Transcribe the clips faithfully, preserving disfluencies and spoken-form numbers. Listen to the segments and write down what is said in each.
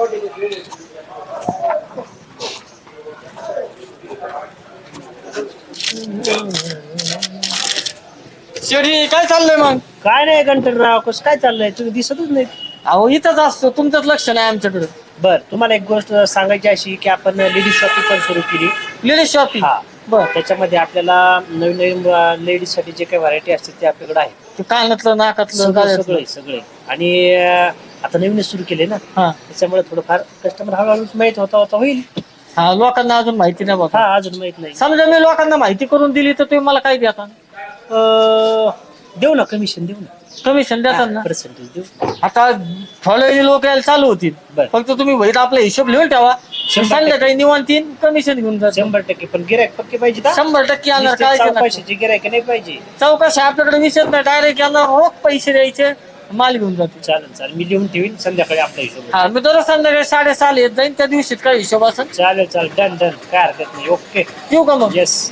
शेडी काय चाललंय मग? काय नाही गंटनराव, कसं काय चाललंय? तुम्ही दिसतच नाही. अहो इथंच असतो, तुमचंच लक्ष नाही आमच्याकडे. बर, तुम्हाला एक गोष्ट सांगायची अशी की आपण लेडीज शॉपिंग पण सुरू केली. Ladies shopping? हा बर. त्याच्यामध्ये आपल्याला नवीन नवीन लेडीज साठी जे काही व्हरायटी असते ते आपल्याकडे आहे. ते कानातलं, नाकातलं, सगळे गळ्यातलं. सगळे सगळे आणि अं, आता नवीन सुरू केले ना, हा त्याच्यामुळे थोडंफार कस्टमर हळूहळू माहित होता होता होईल. हा लोकांना अजून माहिती नाही बघा. हा अजून माहित नाही. समजा मी लोकांना माहिती करून दिली तर तुम्ही मला काय देता? अं, देऊ ना, कमिशन देऊ ना, कमिशन देतात ना? पर्सेंटेज देऊ. आता फॉलोई लोक यायला चालू होतील. बर. फक्त तुम्ही वहीत आपला हिशोब लिहून ठेवा. शंभर संध्याकाळी निवांतीन कमिशन घेऊन जा. शंभर टक्के पण गिरायक पक्के पाहिजे का? शंभर टक्के येणार. काय पैशाची गिरायक नाही पाहिजे. चौकशी आपल्याकडे विषय नाही, डायरेक्ट यांना रोख पैसे द्यायचे, माल घेऊन जातो. चालेल चालेल, मी लिहून ठेवीन, संध्याकाळी आपला हिशोब. हा मी दररोज संध्याकाळी साडेसहाला येत जाईन, त्या दिवशीत काय हिशोब असेल. चालेल चालेल, डन डन, काय हरकत नाही. ओके, येऊ का मग? येस.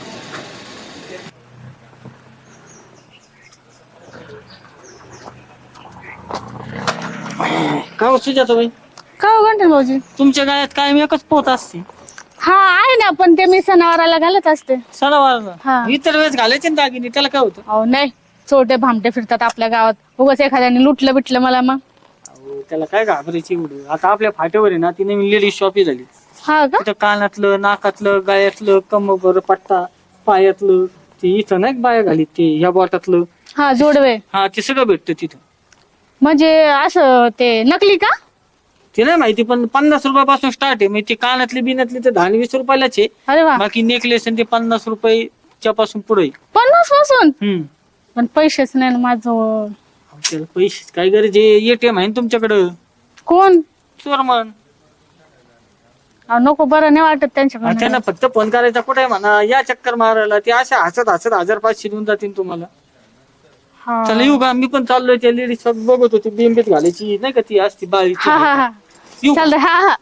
का हो सुजाता बाई, का हो गंठन भाऊजी? तुमच्या गाड्यात कायम एकच पोत असते? हा आहे ना, पण ते मी सणावाराला घालत असते. सणावाराला? हा. इतर वेळेस घालायचे ना दागिने, त्याला काय होतं? अहो नाही, छोटे भामटे फिरतात आपल्या गावात, उगाच एखाद्याने लुटलं बिटलं मला मग. अहो, त्याला काय घाबरायची एवढं? आता आपल्या फाट्यावर आहे ना ती नवीन लेडीज शॉपी झाली. हा का? तिथं कानातलं, नाकातलं, गळ्यातलं, कमर, पट्टा, पायातलं, ते इथं नाही बाया घालीत ते ह्या बोटातलं, हा जोडवे. हा ते सगळं भेटतं तिथं. म्हणजे असं ते नकली का? ते नाही माहिती, पण पन्नास रुपयापासून स्टार्ट आहे. म्हणजे ते कानातली बिनातली तर दहा वीस रुपयालाच आहे. अरे वा, बाकी नेकलेस ते पन्नास रुपयाच्या पासून पुढे. पन्नास पासून? हम्म. पण पैसेच नाही ना माझं. त्याला पैसे काय गरज आहे? एटीएम आहे ना तुमच्याकडं. कोण? चोरमन. अहो, नको, बरं नाही वाटत हा, त्यांच्याकडे. त्यांना फक्त फोन करायचा, कुठे म्हणा या चक्कर मारायला, ते अशा हसत हसत हजार पाचशे देऊन जातील तुम्हाला. हा चला येऊ का? मी पण चाललोय, त्या लेडीज बघत होती बिंबीत घालायची नाही का ती असती बाळी. हा हा हा, येऊ का? चालतंय. हा हा.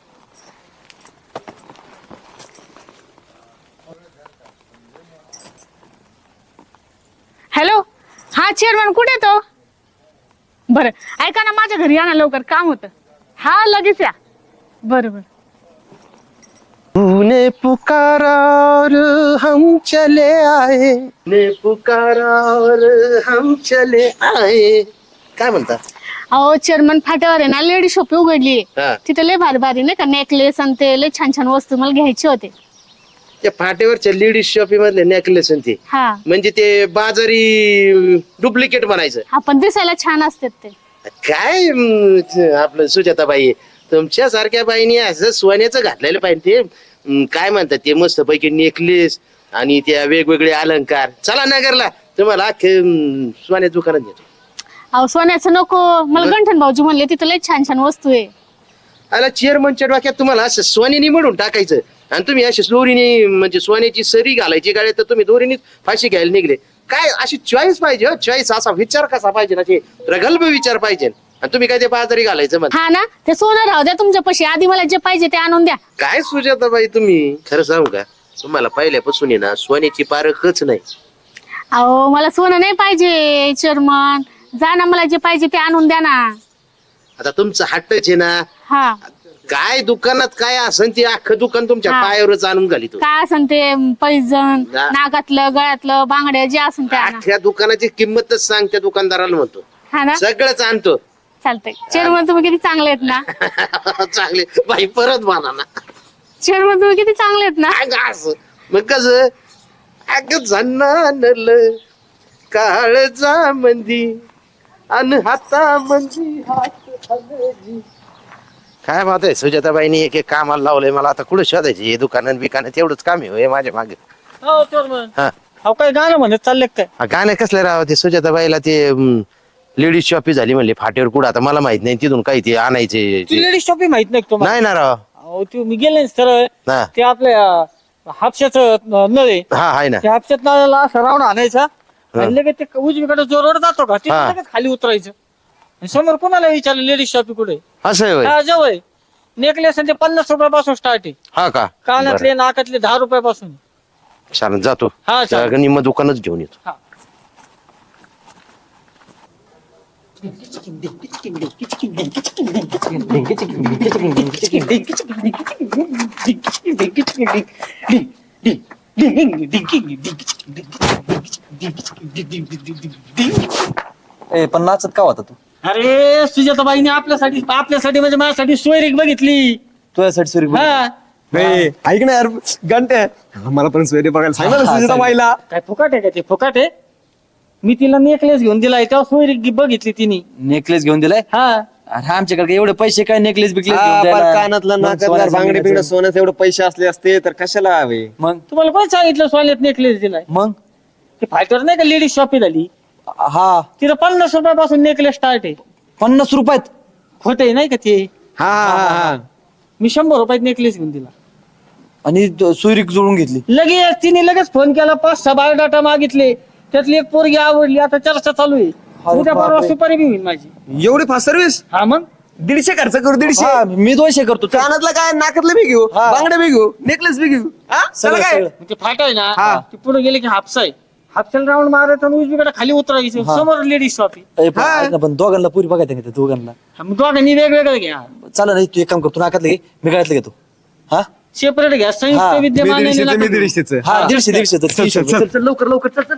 हॅलो, हा चेअरमन, कुठे तो? बरं ऐका ना, माझ्या घरी या ना लवकर, काम होतं. हा लगेच या. बरं बरं. तूने पुकारा और हम चले आए, ने पुकारा और हम चले आए. काय म्हणता? अहो चेअरमन, फाट्यावर आहे ना लेडी शॉप उघडली. हा. तिथे लय भारी भारी नाही का नेकलेस आणि ते लय छान छान वस्तू मला घ्यायचे होते. त्या फाटेवरच्या लेडीज शॉपिंग मधले नेकलेस ते हा म्हणजे ते बाजारी डुप्लिकेट म्हणायचं. आपण दिसायला छान असतात ते. काय अं, आपलं सुजाताबाई, तुमच्या सारख्या बाईनी असं सोन्याचं घातलेलं पाहिजे. ते अं, काय म्हणतात ते मस्त पैकी नेकलेस आणि त्या वेगवेगळे अलंकार. चला नगरला, तुम्हाला अख्खे अं, सोन्या दुकानात घेतो. अहो सोन्याचं नको मला, गंठन भाऊजी म्हणले तिथे लय छान छान वस्तू आहे. आला चेअरमनच्या डोक्यात तुम्हाला असं सोन्यानी म्हणून टाकायचं आणि तुम्ही अशी दोरीने म्हणजे सोन्याची सरी घालायची गाड्या, तर तुम्ही दोरीने फाशी घ्यायला निघले. काय अशी चॉईस पाहिजे हो, चॉईस असा विचार कसा पाहिजे ना, ते प्रगल्भ विचार पाहिजे. आणि तुम्ही काय ते बाजारी घालायचं मग? हा ना, ते सोनं राहू द्या तुमच्या पशी, आधी मला जे पाहिजे ते आणून द्या. काय सुजाताबाई, तुम्ही खरं सांगू का, तुम्हाला पहिल्यापासून आहे ना सोन्याची पारखच नाही. अहो मला सोनं नाही पाहिजे चेअरमन, जा ना, मला जे पाहिजे ते आणून द्या ना. आता तुमचं हट्टच आहे ना. हा, काय दुकानात काय असन ते अख्खं दुकान तुमच्या हा. पायावरच आणून घालितो. काय असन ते पैजण, हा. नाकातलं, गळ्यातलं, बांगड्या जे असन ते आणा. अख्ख्या दुकानाची किंमतच सांग त्या दुकानदाराला म्हणतो, हा ना, सगळंच आणतो. चालतंय. चेअरमन तुम्ही किती चांगले आहेत ना. चांगले बाई, परत म्हणा ना. चेअरमन तुम्ही किती चांगले आहेत ना. अगं असं मग कस, अग जन्नानल काळजा मंदी अन हाता मंदी हात हलजी. काय बात आहे, सुजाताबाईनी एक एक कामाला लावलंय मला. आता कुठं शोधायची हे दुकानात बिकानात, एवढंच काम आहे माझ्या मागे. हो चोरमन. हा, अहो काय गाणं म्हणत चाललंय काय? हा, गाणं कसलं राव ते सुजाताबाईला ते लेडीज शॉपी झाली म्हणले फाटेवर कुठं, आता मला माहित नाही तिथून काही ते आणायचे. ती लेडीज शॉपी माहित नाही का तुम्हाला? नाही ना राव. अहो ते मी गेले सरळ, हा ते आपल्या हापशाचं नळ आहे, हा आहे ना. त्या हापशात नळाला असं राऊंड आणायचा आणि लगेच ते उजवीकडे जो रोड जातो का तिथे हा. लगेच खाली उतरायचं. आणि समोर कोणाला विचारलं लेडीज शॉपी कुठे? असं आहे होय? हा जवळ नेकलेस ते पन्नास रुपयापासून स्टार्ट आहे. हा का? कानातले नाकातले दहा रुपयापासून. चालेल, जातो. हा, चालेल. निम्म दुकानच घेऊन येतो. हा. ए पण नाचत का होता तू अरे सुजाताबाईने आपल्यासाठी आपल्यासाठी म्हणजे माझ्यासाठी सोयरीक बघितली. तुझ्यासाठी सुरी हा ऐक ना यार घंटे मला पण सोयरे बघायला सांग ना सुजाता बाईला. काय फुकाट आहे का ते फुकाट आहे. मी तिला नेकलेस घेऊन दिलाय तेव्हा सोयरीक बघितली तिने. नेकलेस घेऊन दिलाय. हा अरे आमच्याकडे एवढे पैसे काय नेकलेस बिकलेस हा, घेऊन पर द्यायला? कानातलं मग नाकातलं सोन्याचं बांगडे बिंगडे बिंगड्याचं. सोन्याचे एवढे पैसे असले असते तर कशाला हवे. मग तुम्हाला कोण सांगितलं सोन्यात नेकलेस दिलाय. मग ते फायटर नाही का लेडीज शॉपी झाली हा तिथं पन्नास रुपयापासून नेकलेस स्टार्ट आहे. पन्नास रुपयात खोट आहे नाही का ते. हा हा हा मी शंभर रुपयात नेकलेस घेऊन दिला. आणि सुरीक जोडून घेतली. लगेच तिने लगेच फोन केला पाच सहा बायोडाटा मागितले त्यातली एक पोरगी आवडली आता चर्चा चालू आहे. उद्या परवा बापरे. सुपारी बी होईल माझी. एवढी फास्ट सर्व्हिस हा मग दीडशे खर्च करू दीडशे. हा, मी दोनशे करतो चल. कानातलं काय नाकातलं बी घेऊ हा. बांगडे बी घेऊ नेकलेस बी घेऊ हा सगळं, चला काय सगळं. मग ते फाट आहे ना हा. ते पुढे गेले की हापसा आहे. हापशाला राऊंड मारायचं आणि उजवीकडे खाली उतरायचं हा. समोर लेडीज शॉपी. ए, पण ऐक ना, पण दोघांना पुरी बघायचं का त्या दोघांना. मग दोघांनी वेगवेगळं घ्या चला नाही तू एक काम कर तू नाकातलं घे मी गळ्यातलं घेतो. हा सेपरेट घ्या हा. संयुक्त मी विद्यमान दीडशेचं, मी दीडशेचं. हा दीडशे दीडशे तर चल, तीनशे चल, रुपये. चल. चल लवकर लवकर चल चल.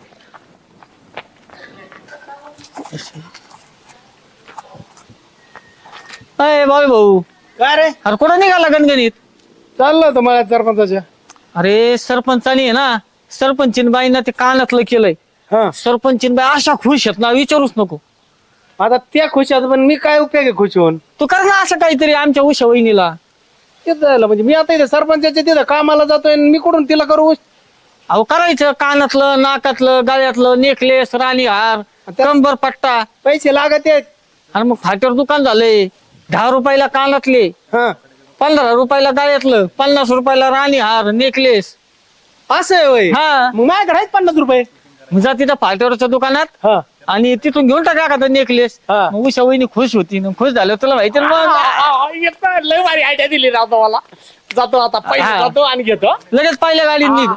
अय बाबू भाऊ काय रे अरे कुठं निघाला गणगणित. चाललं होतं मला सरपंचाच्या. अरे सरपंचानी आहे ना सरपंचीन बाईंना ते कानातलं केलंय. हा सरपंचीन बाई अशा खुश आहेत ना विचारूच नको. आता त्या खुश आहेत पण मी काय उपयोग आहे खुश होऊन. तू कर ना असं काहीतरी आमच्या उषा वहिनीला. तेच झालं म्हणजे मी आता इथे सरपंचाच्या तिथं कामाला जातोय आणि मी कुठून तिला करू. अहो करायचं कानातलं नाकातलं गळ्यातलं नेकलेस राणी हार कंबर पट्टा. पैसे लागत आहेत. आणि मग फाट्यावर दुकान झालंय. दहा रुपयाला कानातले हा पंधरा रुपयाला गळ्यातलं पन्नास रुपयाला राणी हार नेकलेस. असं आहे होय. हा मग माझ्याकडे आहेत पन्नास रुपये. मग जा तिथं फाट्यावरच्या दुकानात हा आणि तिथून घेऊन टाका एखादा नेकलेस. हा. मग उषा वहिनी खुश होती ना खुश झालं तुला माहिती ना मग. एकटा लय भारी आयडिया दिली राहतो मला. जातो आता पैसे हा. जातो आणि घेतो. लगेच पहिल्या गाडीत निघ.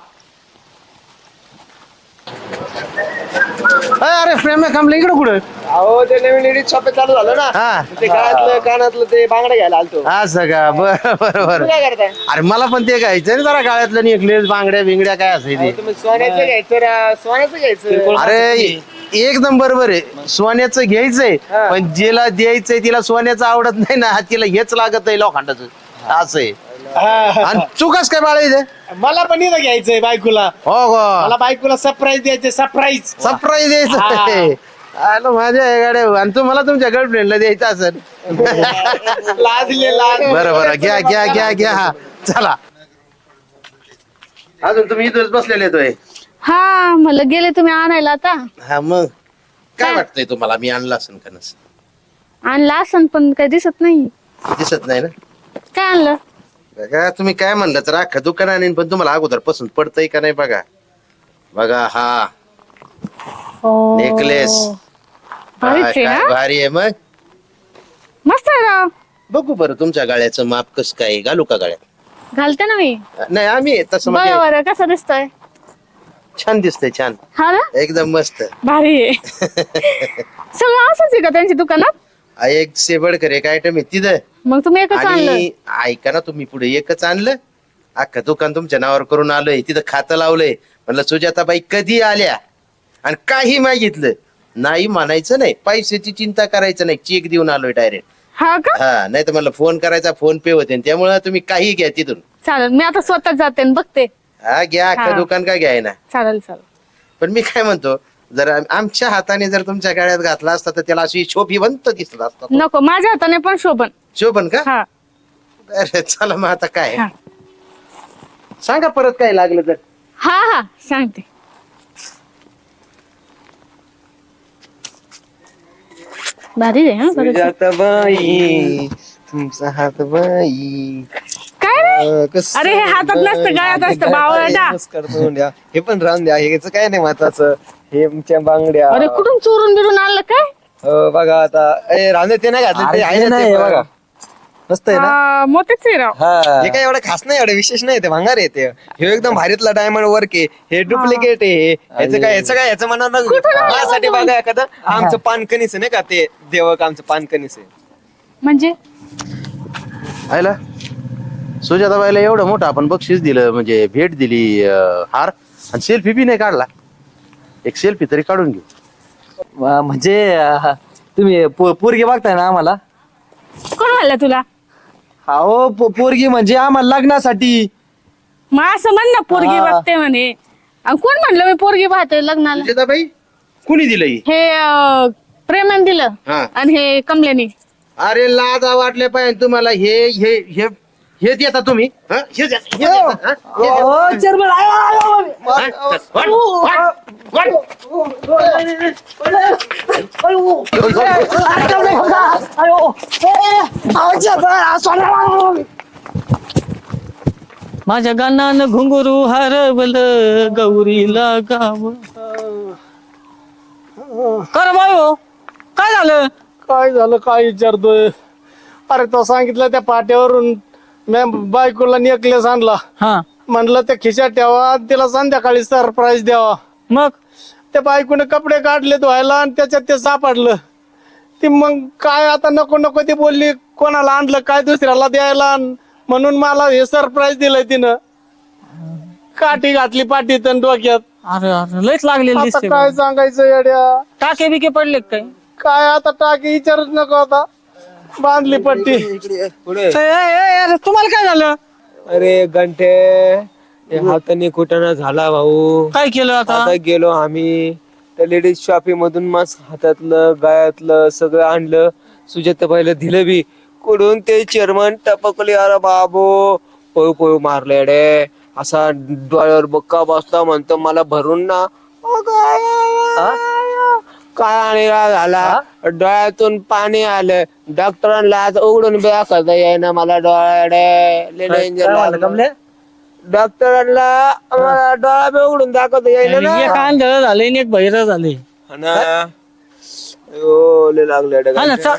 अरे फ्रेम थांबलं इकडं कुठं. अहो ते नवीन लेडीज शॉप चालू झालं ना हा ते कानातलं कानातलं ते बांगडे घ्यायला आलतो. असं का बर बर तुम्ही काय करताय. अरे मला पण ते घ्यायचं जरा गाळ्यातलं नेकलेस बांगड्या बिंगड्या काय असायचे अहो, तुम्ही सोन्याचं घ्यायचं रा- सोन्याचं घ्यायचं. अरे एकदम बरोबर आहे सोन्याचं घ्यायचंय हा. पण जिला द्यायचंय तिला सोन्याचं आवडत नाही ना तिला हेच लागत आहे लोखंडाचं असं आहे. आणि चुकास काय बाळा मला पण इथं घ्यायचंय बायकोला. हो हो मला बायकोला सरप्राईज द्यायचंय सरप्राईज. सरप्राईज द्यायचं आलं माझ्या गाड्या आणि तुम्हाला तुमच्या गर्लफ्रेंडला द्यायचं असेल. लाजले लाज. बरं बरं घ्या घ्या घ्या घ्या हा चला अजून तुम्ही इथंच बसलेले येतोय. हा मला गेले तुम्ही आणायला आता. हा मग काय काय? वाटतंय तुम्हाला मी आणला असेल का नसेल आणला असं पण काही दिसत नाही. दिसत नाही ना काय आणलं. बघा तुम्ही काय म्हणलं तर अख्खा दुकान आणीन पण तुम्हाला अगोदर पसंत पडतंय का नाही बघा. बघा हा हो. नेकलेस भारीच काय आहे काय ना. भारी आहे मग. मस्त आहे राव. बघू बरं तुमच्या गाळ्याचं माप कसं काय घालू का गाळ्यात. घालते ना मी. नाही आम्ही तसं बघा म्हणजे बरं कसं दिसतंय. छान दिसतंय छान हा ना एकदम मस्त. भारी आहे. सगळं असंच आहे का त्यांच्या दुकानात. आ, एक शेबडकर एक आयटम आहे तिथं मग तुम्ही एकच आणलं. आणि ऐका ना तुम्ही पुढे एकच आणलं अख्खा दुकान तुमच्या नावावर करून आलोय तिथं खातं लावलंय म्हणलं सुजाताबाई कधी आल्या आणि काही मागितलं नाही म्हणायचं नाही पैशाची चिंता करायचं नाही चेक देऊन आलोय डायरेक्ट. हा का हा नाही तर मला फोन करायचा फोन पे होते त्यामुळे तुम्ही काही घ्या तिथून. चालेल मी आता स्वतः जाते आणि बघते. हा घ्या अख्खं हा. दुकान का घ्याय ना. चालेल चालेल. पण मी काय म्हणतो जर आम- आमच्या हाताने जर तुमच्या गाड्यात घातला असता तर त्याला अशी शोभिवंत दिसत असता. नको माझ्या हाताने पण शोभन. शोभन का हा अरे चला मग आता काय हा. सांगा परत काय लागलं तर. हा हा सांगते. भारी आहे हा खरंच. सुजाताबाई तुमचा हात बाई काय रे. अं, कसं अरे हे हातात नसतं गळ्यात असतं बावळटा. नमस्कार करून द्या. हे पण राहून द्या हेच काय नाही महत्वाचं हे आमच्या बांगड्या. अरे कुठून चोरून बिरून आणलं काय. हो, बघा आता ए राहून दे, ते नाही घातलं ते अरे आहे ते ना नाही ते बघा. बघा मस्त आहे ना हा, मोठेच आहे राव. हा हे काय एवढं खास नाही एवढं विशेष नाही ते भांगार आहे ते हे एकदम भारीतला डायमंड वर्क आहे हे डुप्लिकेट आहे हे. ह्याचं काय ह्याचं काय ह्याचं म्हणा माझ्यासाठी बघा एखादं आमचं पानकणीस आहे नाही का ते देवक आमचं पानकणीस आहे म्हणजे आयला सुजाताबाईला एवढं मोठं आपण बक्षीस दिलं म्हणजे भेट दिली अं, हार आणि सेल्फी बी नाही काढला. एक सेल्फी तरी काढून घेऊ. वा, म्हणजे अं, तुम्ही पो- पोरगी बघताय ना आम्हाला कोण म्हणलं तुला? हो पो- पोरगी म्हणजे आम्हाला लग्नासाठी मग असं म्हण ना पोरगी हा. बघते म्हणे. आणि कोण म्हणलं मी पोरगी पाहते लग्नाला? सुजाताबाई कुणी दिलं ही? हे अं, प्रेमाने दिलं हा. आणि हे कमल्याने. अरे लाजा वाटले पाहिजे तुम्हाला हे हे हे हे देता तुम्ही हं? हे देता, हे देता, हं? हे देता. हं? वाट, वाट, वाट. माझ्या गाण्यानं घुंगरू हरवलं गौरीला गाव. कर बायो काय झालं? काय झालं काय विचारतोय अरे तो सांगितलं त्या पाट्यावरून मी बायकोला नेकलेस आणला हा म्हणलं त्या खिशात ठेवा तिला संध्याकाळी सरप्राईज द्यावा मग त्या बायकोने कपडे काढले धुवायला आणि त्याच्यात ते सापडलं ती मग काय आता नको नको ती बोलली कोणाला आणलं काय दुसऱ्याला द्यायला अन म्हणून मला हे सरप्राईज दिलंय तिनं काठी घातली पाठीत आणि डोक्यात अरे अरे लयच लागलेलं आता दिसते काय सांगायचं येड्या टाके बिके पडले का काय? काय आता टाकी विचारच नको आता बांधली पट्टी पुढे ए, ए, ए, अरे तुम्हाला काय झालं? अरे घंटे हे हाताने कुटाणा झाला भाऊ काय केलं आता? आता गेलो आम्ही त्या लेडीज शॉपिंग मधून मस्त हातातलं गायातलं सगळं आणलं सुजाताबाईला दिलं बी कुठून ते चेअरमन टपकले अरे बाबू पळू पळू मारले रे असा डोळ्यावर बक्का बसता म्हणतो मला भरून ना अगं, काय आणि झाला डोळ्यातून पाणी आलं डॉक्टरांना आज उघडून बॅ करता येईना मला डोळ्याडे लय danger काय म्हणलं लागलं. कमले डॉक्टरांना आम्हाला डोळा बी उघडून दाखवता येईना ना एक आंधळ झाले आणि एक बहिर झाले. हा ना. अयो, लय लागले रे हा ना गांठ्या. चा-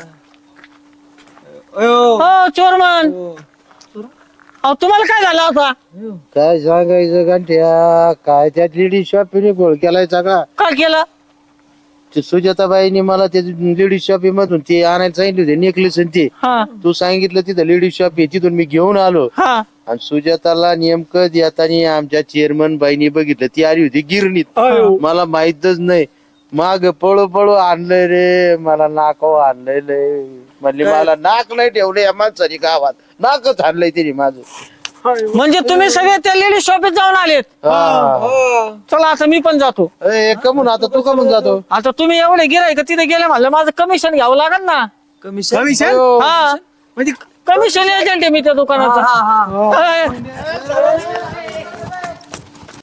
हो चोरमन अहो तुम्हाला काय झालं आता? काय सांगायचं गांठ्या काय त्या लेडीज शॉपीने गोळ केलाय सगळा. काय केलं? ते सुजाताबाईने मला ते लेडीज शॉपी मधून ते आणायला सांगितले होते नेकलेस आणि ते हा तू सांगितलं तिथं लेडीज शॉप आहे तिथून मी घेऊन आलो हा आणि सुजाताला नेमकं येताना आमच्या चेअरमन बाईनी बघितलं ती आली होती गिरणीत मला माहितच नाही माग पळू पळू आणलंय रे मला नाकाव आणलंय लय म्हणली मला नाक नाही ठेवलं या माणसाने गावात नाकच आणलंय तिने माझं. म्हणजे तुम्ही सगळे त्या लेडीज शॉपीत जाऊन आलेत. हा. चला आता मी पण जातो. ए, कमून आता तू कमून जातो? आता तुम्ही एवढे गिराय का तिथे गेले म्हणलं माझं कमिशन घ्यावं लागेल ना. कमिशन हा म्हणजे कमिशन एजंट आहे मी त्या दुकानाचं.